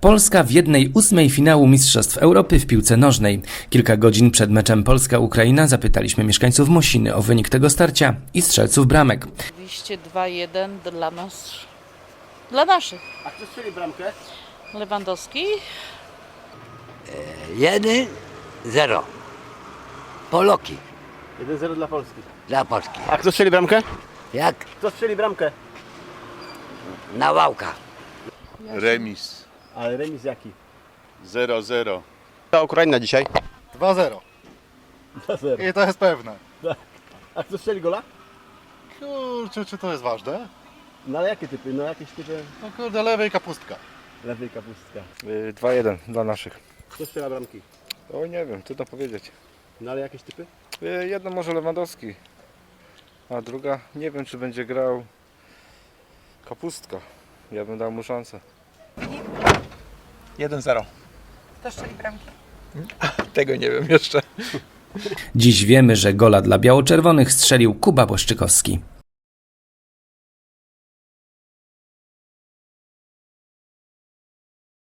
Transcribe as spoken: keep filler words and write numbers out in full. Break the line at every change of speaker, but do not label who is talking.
Polska w jednej ósmej finału Mistrzostw Europy w piłce nożnej. Kilka godzin przed meczem Polska-Ukraina zapytaliśmy mieszkańców Mosiny o wynik tego starcia i strzelców bramek.
Oczywiście dwa jeden dla nas, dla naszych.
A kto strzeli bramkę?
Lewandowski,
jeden zero. Poloki
jeden zero dla Polski.
dla Polski.
A kto strzeli bramkę?
Jak
Kto strzeli bramkę?
Nawałka.
Remis
Ale remis jaki?
zero zero.
Ta Ukraina dzisiaj.
dwa zero.
dwa zero.
I to jest pewne.
A kto strzeli gola?
Kurczę, czy to jest ważne?
No ale jakie typy? No jakieś typy
No kurde, lewej kapustka.
lewej kapustka.
dwa jeden dla naszych.
Kto strzela bramki?
Oj, nie wiem, trudno powiedzieć.
No ale jakieś typy?
Y, Jedno może Lewandowski, a druga nie wiem, czy będzie grał Kapustka. Ja bym dał mu szansę.
jeden zero.
Kto strzeli bramki?
Tego nie wiem jeszcze.
Dziś wiemy, że gola dla biało-czerwonych strzelił Kuba Błaszczykowski.